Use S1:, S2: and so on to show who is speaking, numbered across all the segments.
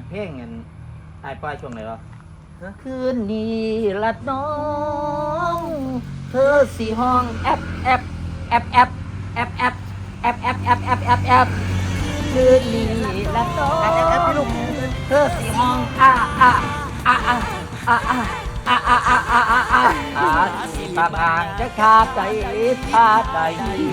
S1: เพลงเงินไอ้ป้ายช่วงไหนวะคืนนี้ละน้องเธอสีห้องแอปแอปแอปแอปแอปแอปแอปแอปแอปแอปแอปแอปคืนนี้ละน้องเธอสีห้องอ่าอ่าอ่าอ่าอ่าอ่าอ่าอ่าอ่าอ่าอ่าอ่าสีบางอ่างจะขาดใจขาดใจ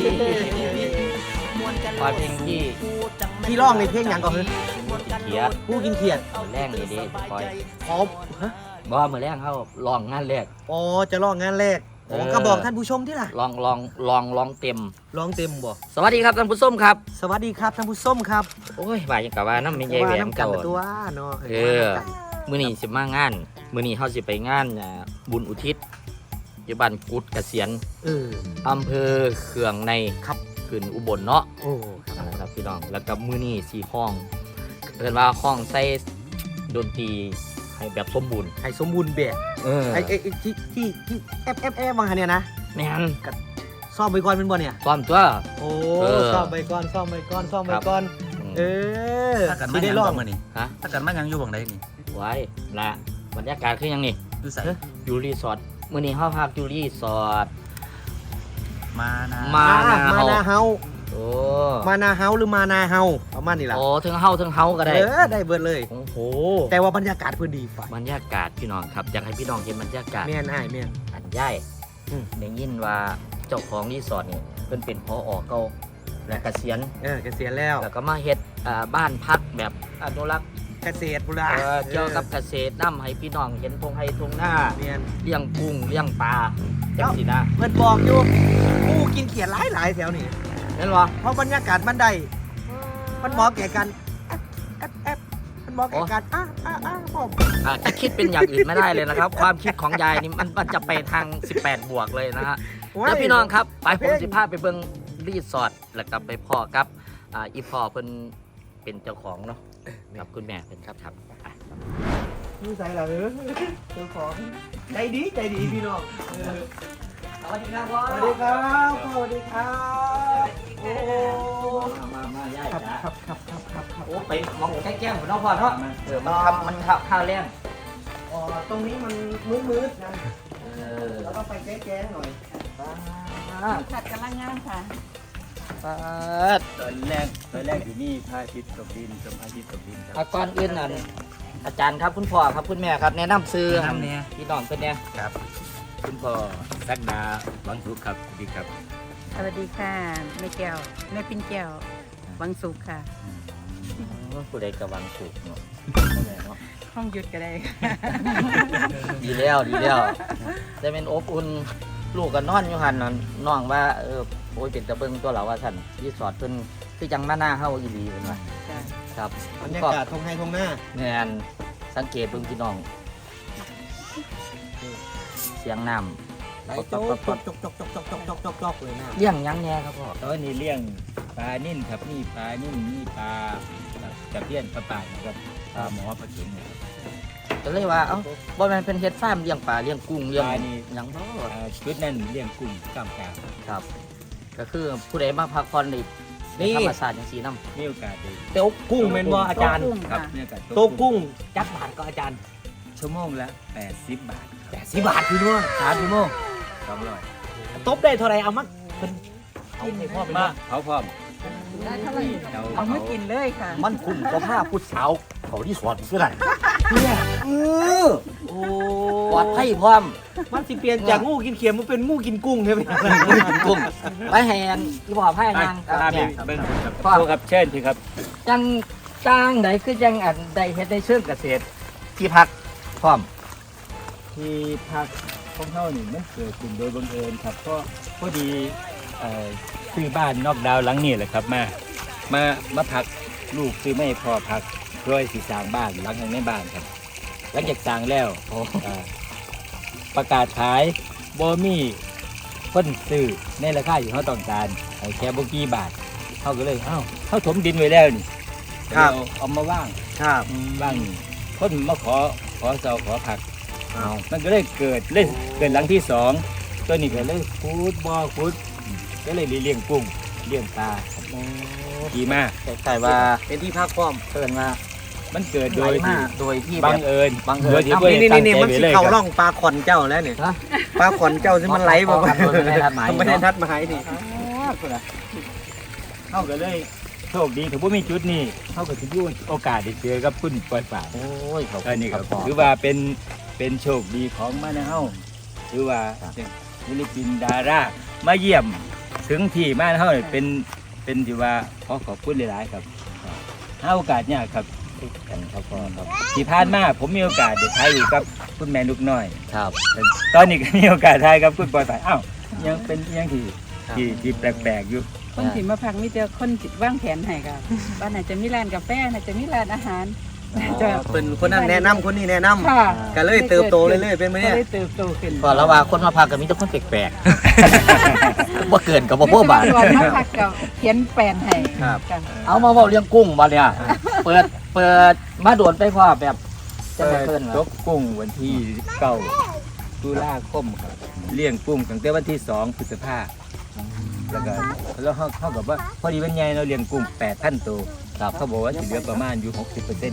S1: ปล่อยเพลงที่
S2: ร้องในเพลงหยังก่อนคือ
S1: เขียด
S2: ผู้กินเขียด
S1: แรงดีปล่อย
S2: อ๋อฮะ
S1: บ่มือแรงเขาลองงานแรก
S2: อ๋อจะร้องงานแรกอ๋อก็บอกท่านผู้ชมที่ล่ะ
S1: ลองเต็ม
S2: ร้องเต็มบ่
S1: สวัสดีครับท่านผู้ชมครับ
S2: สวัสดีครับท่านผู้ชมครับ
S1: โอ้ยว่าอย่างกับว่าน้ำไม่ใหญ่แหวม
S2: กัน
S1: เก่า
S2: ตัวเนาะ
S1: มื้อนี้สิมางานมื้อนี้เฮาสิไปงานบุญอุทิศอยู่บ้านกุดเกษียณ อำเภอเขื่องในครับขึ้นอุบลเนาะ
S2: โอ้
S1: ครับพี่น้องแล้วก็มื้อนี้สิห้องเอิ้นว่าห้องใส่ดนตรีให้แบบสมบูรณ์
S2: ให้สมบูรณ์แบบ ไอ้ที่แอฟบางเนี่ยนะ
S1: แม่น
S2: ซ่อมไปก่อนเป็นบ่เนี่ย
S1: ความตัว
S2: โอ้ซ่อมไปก่อนซ่อมไปก่อนซ่อมไปก่อน
S3: ถ้ากัน
S2: สิ
S3: มา
S2: ได้
S3: ยัง
S2: ร้
S3: บ่
S2: อง
S3: มื้อนี้
S1: ฮะ
S3: ถ้ากันมายังอยู่บังใดนี่
S1: ไว้ละบรรยากาศคือหยังนี่
S3: อยู่ไส
S1: อยู่รีสอร์ทมื้อนี้เฮาพักอยู่รีสอร์ท
S3: มานะ
S1: มา
S2: มานาเฮา
S1: โอ้
S2: มานาเฮาหรือมานาเฮาประมาณนี้ล่ะ
S1: โอ้ถึงเฮาก็ได้
S2: ได้เบิดเลย
S1: โอ้โห
S2: แต่ว่าบรรยากาศเพิ่นดีฝ่าย
S1: บรรยากาศพี่น้องครับอยากให้พี่น้องเห็นบรรยากาศ
S2: แม่นอ้ายแม่น
S1: อันใหญ่
S2: อืม
S1: ได้ยินว่าเจ้าของรีสอร์ทนี่เพิ่นเป็นผอเก่าและเกษียณ
S2: เกษียณแล้ว
S1: แล้วก็มาเฮ็ดบ้านพักแบบอนุรักษ์
S2: เกษตรบุรี
S1: เกี่ยวกับเกษตรนำให้พี่น้องเห็นทงไห้ทงหน้า
S2: แม่น
S1: เลี้ยงกุ้งเลี้ยงปลาจังสินะ
S2: เพิ่นบอกอยู่ผู้กินเขียดหลายแถวนี่
S1: เห็นบ่
S2: เพราะบรรยากาศมันได้มันเหมาะแก่กันแอปมันเหมาะแก่กันผม
S1: จะคิดเป็นอย่างอื่นไม่ได้เลยนะครับ ความคิดของยายนี่มันจะไปทาง 18 บวกเลยนะฮะแล้วพี่น้องครับไปผมสิพาไปเบิ่งรีสอร์ทแล้วก็ไปพ่อกับอีพ่อเพิ่นเป็นเจ้าของเนาะกับคุณแม่เป็นครับ
S2: นี่ใส่ละเจ้าของใจดีพี่น้อง
S1: สวัสดีครับพ่อ
S2: สวัสดีครับสวัสดีครับโอ้
S1: มาย่าย
S2: ครับ
S1: จ้ะ
S2: ครับ
S1: โอ้ไปมองแก้มของน้องพ่อเนาะมันข้าวแรง
S2: อ๋อตรงนี้มันมืดนะ
S1: แล้
S2: แล้ว วก็ไปแก้ๆหน่อย
S4: ผัดกำลังงามค่ะ
S3: ตอนแรกอยู่นี่พระอาทิตย์ตกดินชมพระอาทิตย์ตกดินครับ
S1: ก่อนอื่นนั่นอาจารย์ครับคุณพ่อครับคุณแม่ครับแนะนำซื้อ
S3: แนะนำเนี่ย
S1: พี่น้องเป็นเนี่ย
S3: ครับคุณพ่อสักดาหวังสุขครับสวัสดีครับ
S4: สวัสดีค่ะแม่แก้วแม่ปิ้นแก้ววังสุขค่ะ
S1: ผู้ใดกระวังสุกเนาะ
S4: ห้องหยุดก็ได้
S1: ดีแล้วได้เป็นอบอุ่นลูกกันนอนอยู่หันนั่นน้องว่าโอ้ยเป็นตะเบิงตัวเราว่าท่านรีสอร์ทเพิ่นคือจังมาหน้าเฮาอีหลีเพิ่นว่า
S4: จ้ะ
S1: ครับ
S2: บรรยากาศทงไฮทงหน้า
S1: แม่นสังเกตเบิ่งพี่น้อง เสียงน้ำ
S2: ไหลโจ๊กเลยนะ
S1: เลี้ยงหยังแน่ครับพ่อ
S3: ตอนนี้เลี้ยงปลานิ่นครับนี่ปลานิ่นนี่ปลาตะเพียนปลาป่านะครับปลาหมอปลาเข็งนะครับ
S1: ก็เลยว่าเอ้าบ่แม่นเป็นเฮ็ดฟาร์มเลี้ยงปลาเลี้ยงกุ้งเลี้ยง
S3: ปลานี่
S1: หยังบ่
S3: ชุดนั้นเลี้ยงกุ้งกล้ามกลาง
S1: ครับ ก็คือผู้ใดมาพักผ่อนนี่ในธรรมชาติจังซี่นำ
S3: มีโอกาสได้
S2: เต๊กกุ้งเป็นบ่อาจารย์
S4: โต๊ะกุ้ง
S3: ครับ
S4: ค่ะ
S3: มีโอกาส
S2: โต๊ะกุ้งจักบาทก็อาจารย์
S3: ชั่วโมงละ80 บาทครับ
S2: 80 บาทพี่น้อง
S1: 3ชั่วโมง
S3: 200
S2: ตบได้เท่าไรเอามาเป็นกินให้พ่อเป็น
S3: มา
S2: ว่า
S3: เผาพร้อม
S4: ได้เท่าไหร่
S3: เตา
S4: เอามากินเลยค่ะ
S1: มันคุ้มกว่าผ้าผู้สาวเขาที่สอนคืออะไร
S2: เนี่ยโอ้
S1: ปลอดภัยพร้อม
S2: มันสิเปลี่ยนจากงูกินเขียมมันเป็นงูกินกุ้งใช่ไหม
S1: กุ้งไปแหนที่พ่อพายนาง
S3: ตาม
S1: เนี่ย
S3: เบิ้งครับโทษครับเชิญพี่ครับ
S1: จังจ้างใดคือจังอันใดเฮ็ดได้เชิงเกษตรที่พักพร้อม
S3: ที่พักของเขานี่มันเกิดขึ้นโดยบังเอิญครับเพราะพอดีซื้อบ้านนอกดาวหลังนี่แหละครับมาพักลูกซื้อไม่พอพักเพื่อสิสร้างบ้านหลังในบ้านครับหลังจากสร้างแล้วประกาศขายบ่มีคนซื้อในราคาที่เขาต้องการเอาแค่บ่กี่บาทเขาก็เลยเขาถมดินไว้แล้วนี่เอามาว่าง
S2: ครับ
S3: บ้างคนมาขอเสาขอผักมันก็เลยเกิดหลังที่สองตัวนี้ก็เลยขุดบ่อขุดก็เลยเลี้ยงกุ้งเลี้ยงปลาดีมาก
S1: แต่ว่า
S2: เป็นที่พักพร้อม
S1: เพิ่นว่า
S3: มันเกิด
S1: ไห
S3: โด
S1: ล
S3: ย
S1: มา
S3: ที่
S1: โดยที่
S3: บัง
S1: แบบ
S3: เอิญ
S1: บังเอิญ
S3: โดยที่บ่ได้ตั้ง
S2: นี่
S3: ใจ
S2: มัน
S3: ไว้
S2: สิ
S3: เลย
S2: เข้า
S3: ค
S2: ร่
S3: รั
S2: อบ งปลาขอนเจ้าแล้วนี่
S1: ฮะ
S2: ปลาขอนเจ้าสิมันไหลบ่
S1: กันโดยไม่ได้นัดหมาย
S2: ไม่ได้นัดหมายนี่
S3: เฮาก็เลยโชคดีถ้าบ่มีจุดนี้เฮาก็สิอยู่โอกาสได้เจอกับคุณปล่อยป่า
S1: โอ้ยเขา
S3: อันนี้ครับ
S1: พ่อ
S3: ถือว่าเป็นโชคดีของมานะเฮาถือว่าศิลปินดารามาเยี่ยมถึงที่มานะเฮานี่เป็นที่ว่าขอบคุณหลายๆครับหาโอกาสยากครับ
S1: กันครับพ่อครับ
S3: ที่ผ่านมาผมมีโอกาสได้ถ่ายอยู่กับคุณแม่ลูกน้อย
S1: ครับ
S3: แต่ตอนนี้ก็มีโอกาสถ่ายกับคุณปอยสายอ้าวยังเป็นยังที่แปลกๆอยู่
S4: คนที่มาพักมีแต่คนที่วางแผนให้ค่ะว่าน่าจะมีร้านกาแฟน่าจะมีร้านอาหารน่าจะ
S2: เป็นคนนั้นแนะนำคนนี้แนะนำ
S4: ค่ะ
S2: ก็เลยเติบโตเรื่อยๆเป็นไหม
S4: ก็
S2: เนี่ย
S4: เลยเติบโตขึ้น
S1: พอแล้วว่าคนมาพักก็มีแต่คนแปลกๆ ว่าเกินกับบ่พวกบาท
S4: ส่วนมาพักก็เขียนแปลนให้
S2: ครับ
S4: ค่ะ
S1: เอามาเว้าเรื่องกุ้งบ่เนี่ยเปิดมาโดนไปพ่อแบบจะไปเพิ่น
S3: ต
S1: เหรอก
S3: กุ้งวันที่9ตุลาคมครับเลี้ยงกุ้งตั้งแต่วันที่2พฤษภาคมแล้วเขากับว่าพอดีวันใหญ่เราเลี้ยงกุ้ง 8,000 ตัว
S1: ครับ
S3: เขาบอกว่าจะเหลือประมาณอยู่ 60%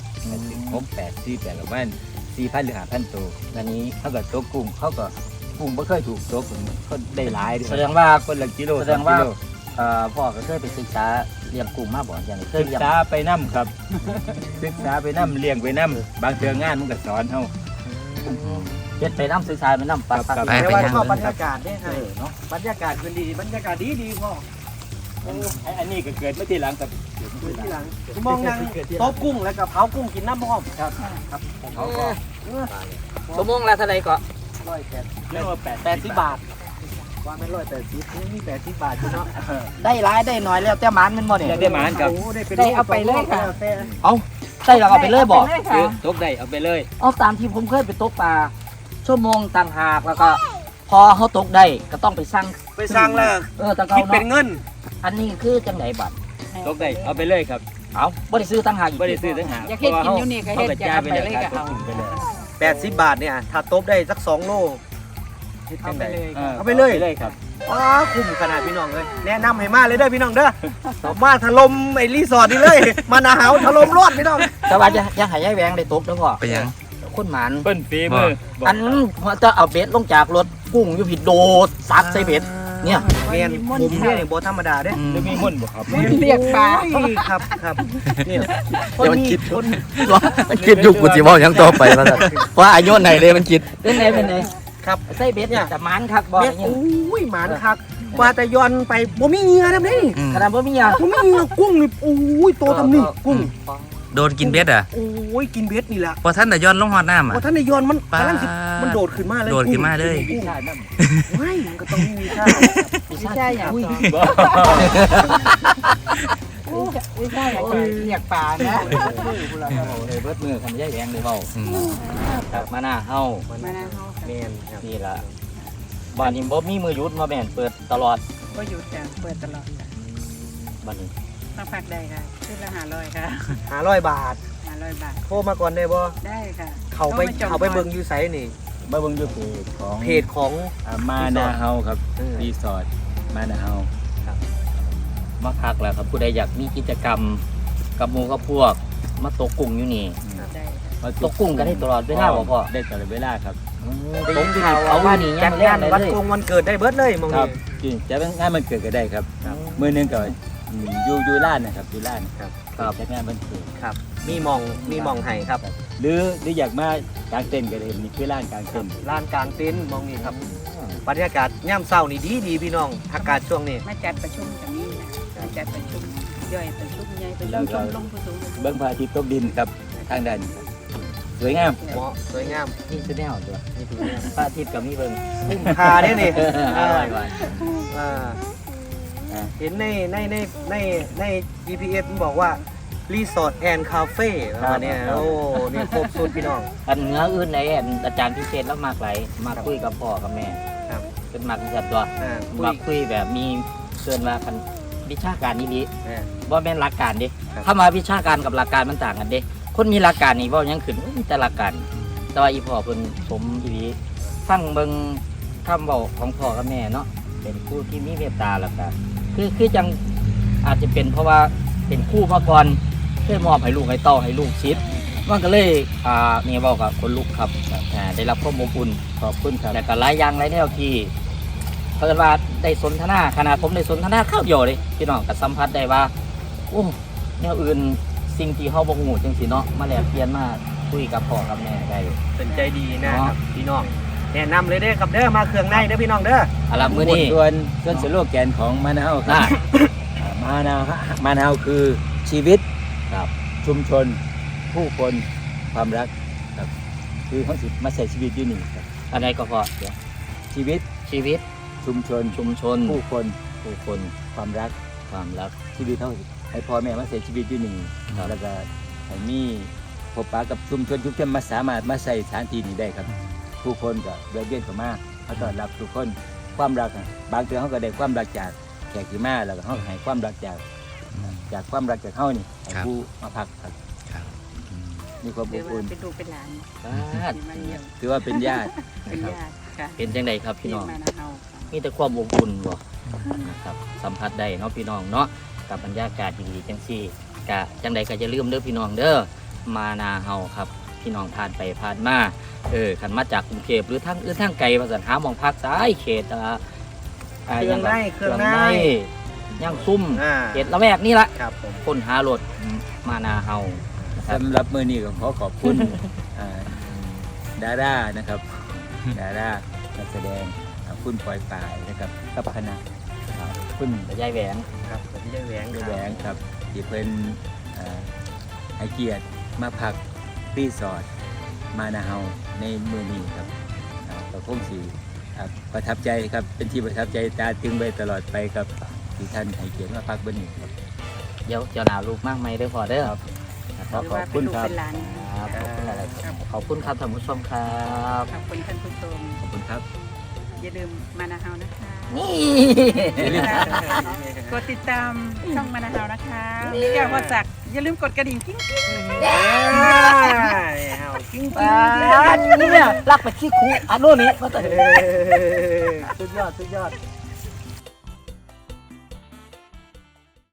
S3: 68 48ประมาณ 4,000 หรือ 5,000 ตัว
S1: อันนี้
S3: เขาก็ตกกุ้งเขาก็กุ้งไม่เคยถูกตกเขาได้หลาย
S1: แสดงว่า
S3: คนละกิโล
S1: แสดงว่า
S3: 2กิโล
S1: พ่อก็เคยไปศึกษาเลี้ยงกุ้งมาบ่อย่างเคย
S3: ศึก
S1: เลี้ยง
S3: ษาไปน้ำครับ ศึกษาไปน้ำเลี้ยงไปน้ำบางเทืองานมันก็สอนเขา
S1: เฮ็ดไปน้ำศึกษาไปน้ำปัก
S3: ครับ
S2: แต่ว่าชอบบรรยากาศเนี่ย
S1: เนาะ
S2: บรรยากาศคือดีบรรยากาศดีพ่อ
S3: อันนี้ก็เกิดมาทีหลังครับ
S2: ที่หลังมองนั่งโต๊ะกุ้งแล้วก็เผากุ้งกินน้ำพร้อมครับ
S3: เขาก็
S1: ชั่วโมงละเท่าไหร่ก็
S3: เรียกว่า
S2: 80 บาทว่าไม่180นี่80 บาทอยู่เนาะ
S1: ได้หลายได้น้อยแล้วแต่หมานมันบ่เนี่ย
S3: อยากได้หมานครับ
S2: โอ้ได้เป็น
S4: ได้เอาไปเลยค่ะ
S1: เอาได้แล้วเอาไปเลยบ่
S4: อาไปเลยค่ะ
S3: ตกได้เอาไปเลย
S1: เอาตามที่ผมเคยไปตกปลาชั่วโมงต่างหากแล้วก็ พอเขาตกได้ก็ต้องไปสั่ง
S2: ไปสร้างแล้ว
S1: แต่เขา
S2: คิดเป็น
S1: เนาะ
S2: เงิน
S1: อันนี้คือจังไหนบัตร
S3: ตกได้เอาไปเลยครับ
S1: เอาบ่ได้ซื้อต่างหากอีก
S3: ไม่ได้ซื้อทั้งหาก
S4: อยากเฮ็ดกินอยู่นี่ก็เฮ็ดอยากเอาไปเลยก็เอา
S3: ไปเลย
S2: 80 บาทเนี่ยถ้าตบได้สัก2โล
S4: เอาไปเลยค่ะ
S2: เอาไปเลย
S3: เลยครับ
S2: ว้าคุ้มขนาดพี่น้องเลยแนะนำให้มาเลยเด้อพี่น้องเด้อมาถล่มไอ้รีสอร์ทนี่เลย มาหนาหาวถล่มรอดพี่น้อง
S1: แต่ว่ายังให้ยายแหวงได้ตกเด้อพ่อ
S5: ไปยัง
S1: คนหมาน
S3: เปิ้นฝีมือบอก
S1: อันจะเอาเบ็ดลงจากรถกุ้งอยู่ผิดโดดซักใส่เบ็ดเนี่ย
S2: เมียนผมเนี่ยนี่โบธรรมดาเด้
S3: หรือมีมุ่นบ่ครับ
S4: เรียกปลา
S2: โอ้ยครับครับเนี่ย
S5: เดี๋ยวมันคิดมันคิดอยู่กูสิเว่าหยังต่อไปมาซั่นว่าอายุไหนเลยมันคิด
S1: เป็นไงเป็นไง
S2: ครับ
S1: ใส่เบ็ดเนี่ยแต่หมานคักบ่
S2: เม็ด
S1: เนี่ย
S2: โอ้ยหมานคักกว่าแต่ย้อนไปบ่มีเหงื่อนะนี่
S5: อืม
S1: ขนาดบ่มีอ่ะ
S2: บ่มีเหงื่อกุ้งนี่โอ้ยโตทำนี่กุ้ง
S5: โดนกินเบ็ดอ่ะ
S2: โอ้ยกินเบ็ดนี่แหละ
S5: พอท่านแต่ย้อนลงฮอดน้ำอ่ะ
S2: พอท่านได้ย้อนมัน
S5: ปลา
S2: กำลังสิมันโดดขึ้นมาเลย
S5: โดดขึ้นมาเลย
S2: กุ้ง
S3: ใช่นั่น
S2: ไม่มันก็ต้องมีค่า
S4: ไม่ใช่อย่าง
S2: อุ้ย
S4: ต่อ
S3: บ่
S4: ไม่ใช่อย่างต่อเรียกปลานะ
S1: เบิดมือคันยายแหวงเลยเว้า
S5: อืม
S1: ครับมาหน้าเฮา
S4: มานะเฮา
S2: แมนครับ
S1: นี่ล่ะบ้านนี้บ่มีมือหยุดมาแม่นเปิดตลอด
S4: ก็หยุดจ้ะเปิดตลอดค่ะ
S1: บ้านนี้
S4: มาพักได้ค่ะขึ้นละ500ค่ะ
S2: 500 บาท
S4: 500 บาท
S2: โทรมาก่อนได้บ่
S4: ได้ค่ะ
S2: เขาไปเบิ่งอยู่ไสนี่
S3: มาเบิ่งอยู่เพจของ
S2: เพจของ
S3: มานาเฮาครับ
S2: เออ
S3: รีสอร์ทมานาเฮา
S1: มาพักแล้วครับผู้ใดอยากมีกิจกรรมกับหมู่กับพวกมาตกกุ้งอยู่นี่
S4: ได้ค่ะ
S1: ตกกุ้งกันได้ตลอดเวลาบ่พ่อ
S3: ได้ตลอดเวลาครับ
S1: ตกที่นี่เอาว่านี่ยั
S2: จั
S1: ง
S2: ด
S1: ไม่
S2: งาน
S1: ได้
S2: วัน
S1: เลย
S2: กงวันเกิดได้เบิดเลยมอง
S3: ครั
S2: นี่
S3: บจริงจะเป็นงานมันเกิดก็ได้ครับมือหนึงก็อยู่ร้านนะครับอยู่ร้าน
S2: ครับ
S3: จัดงานมันเกิด
S2: ครับ มีหมองให้ครับ
S3: หรืออยากมากางเต็นท์ก็ได้นี่คือร้านกางเต็นท์
S2: ลานกลางเต็นท์มองนี่ครับบรรยากาศย่ำเศร้านี่ดีพี่น้องอากาศช่วงนี้
S4: มาจัดประชุมตรงนี้นะมาจัดประชุมย่อยประชุมใหญ่ประชุมชมรมผู้สูงอายุ
S3: เบื้องพระอาทิตย์ตกดินครับทางด้านครับสวยงาม
S2: เหมาะสวยงาม
S1: นี่คือแนวตัวพระอาทิตย์กับมีเบิ่ง
S2: คุ้มค่าได้นี่
S1: อร่อยว่ะ
S2: อ่าเห็นใน GPS มันบอกว่ารีสอร์ทแอนด์คาเฟ่ประมาณเนี้ยโอ้นี่ครบสุดพี่น้อง
S1: อันเนื้ออื่นในอาจารย์พิเศษแล้วมากหลายมาคุยกับพ่อกับแม่
S2: ครับ
S1: เป็นมักจัดตัว
S2: คุ
S1: มาย คุยแบบมีเกินมาคันวิชาการนี้ดี
S2: อ่า
S1: ว่าแม่นหลักการดิ
S2: ครับ
S1: ถ้ามาวิชาการกับหลักการมันต่างกันเด้คนมีหลักการนี่เว่ายังขึ้นมีแต่หลักการแต่ว่าอีพ่อเพิ่นสมอีหลีฟังเบิ่งคำเว้าของพ่อกับแม่เนาะเป็นครูที่มีเมตตาแล้วก็คือจังอาจจะเป็นเพราะว่าเป็นครูมาก่อนเคยมอบให้ลูกให้เต้าให้ลูกชิดมันก็เลยนี่บอกกับคนลูกครับได้รับความอบอุ่น
S3: ขอบคุณครับ
S1: แต่ก็หลายอย่างหลายแนวที่เพิ่นว่าได้สนทนาขนาดผมได้สนทนาข้าวเดียวเลยพี่น้องก็สัมผัสได้ว่าโอ้แนวอื่นสิ่งที่เฮาบ่ฮู้จังซี่เนาะมาแลกเปลี่ยนมาคุยกับพ่อกับแม่ได้
S2: เป็นใจดีนะครับพี่น้องแนะนำเลยเด้อครับเด้อมาเครื่องในเด้อพี่น้องเด้อ
S1: เอาล่ะมื้อนี้
S3: ส่วนสโลแกนของมะนาวครับมะนาวคือชีวิต
S1: ครับ
S3: ชุมชน ผู้คนความรักครับคือเขาสิมาใส่ชีวิตอยู่นี่ครับ
S1: อะไรก็พอเดี๋ยว
S3: ชีวิต
S1: ชีวิต
S3: ชุมชน
S1: ชุมชน
S3: ผู้คน
S1: ผู้คน
S3: ความรัก
S1: ความรัก
S3: ชีวิตเขาให้พ่อแม่มาใส่ชีวิตอยู่นี่
S1: ครับ
S3: แล้วก็ให้มีพบปะกับชุมชนมาสามารถมาใส่สถานที่นี้ได้ครับ ผู้คนก็เดินเวียนเข้ามาเขาต้อนรับทุกคนความรักน่ะบางเทื่อเขาก็ได้ความรักจากแขกที่มาแล้วก็เขาให้ความรักจากความรักจากเขานี่ให้ผู้มาพักครับ
S5: ครับ
S3: มีความ
S4: ห
S3: อ
S4: รือบ ว่า
S3: อุ่น
S4: เป็นลูกเป็นหลาน
S1: บ
S4: ที่มาเยี่ยม
S3: ถือว่าเป็นญาติ
S4: เป็น
S3: นะครับ
S4: ญาติค่ะ
S1: เป็นจังไดครับพี่น้อง
S4: ที่มานะเฮาค่ะ
S1: มีแต่ความอบอุ่นบ่นะครับสัมผัสได้เนาะพี่น้องเนาะกับบรรยากาศดีๆจังซี่กะจังใดก็อย่าลืมเด้อพี่น้องเด้อมานาเฮาครับพี่น้องผ่านไปผ่านมาคันมาจากกรุงเทพหรือทางอื่นทางไกลว่าซั่นหาหม่องพักซ้ายเขต
S2: เครื่องในเครื่องใน
S1: ย่างซุ่ม เขตละแวกนี่ละ
S2: ครับผม
S1: ค้นหารถมานาเฮานะครับ
S3: สำหรับมือนี้ก็ขอขอบคุณดารานะครับดารานักแสดงคุณปอยปายนะครับกับคณะคุณ
S1: ยายแหวง
S2: ครับผมได้แหวง
S3: แหวงครับที่เพิ่นให้เกียรติมาพักรีสอร์ทมานาเฮาในมือนี้ครับก็คงสิประทับใจครับเป็นที่ประทับใจตาตึงไปตลอดไปครับที่ท่านให้เกียรติมาพักบนนี้ครับ
S1: เดี๋ยวเจ้าหนาวลูกมากไหมเด้อพอเด้อ
S3: ขอ
S4: หรือ
S3: ขอ
S4: ว่า
S3: บ
S4: เป็
S3: คุ
S4: น
S3: ณ
S4: ลูก
S3: ครับ
S4: เป็นหลาน
S1: ครับขอบคุณอะไรครับขอบคุณครับท่านผู้ชมครับ
S4: ขอบคุณท่านผู้ชม
S3: ขอบคุณครับ
S4: อย่าลืมมานาเฮานะคะ
S1: นี่
S4: กดติดตามช่องมานาเฮานะคะแก้วพอสักอย่าลืมกดกระดิ่งกิ๊งกิ๊ง
S2: เอากิ้ง
S1: ปาดเนี่ยรักไปขี้คูอันโน่นนี้มาแต่
S2: สุดยอดสุดยอด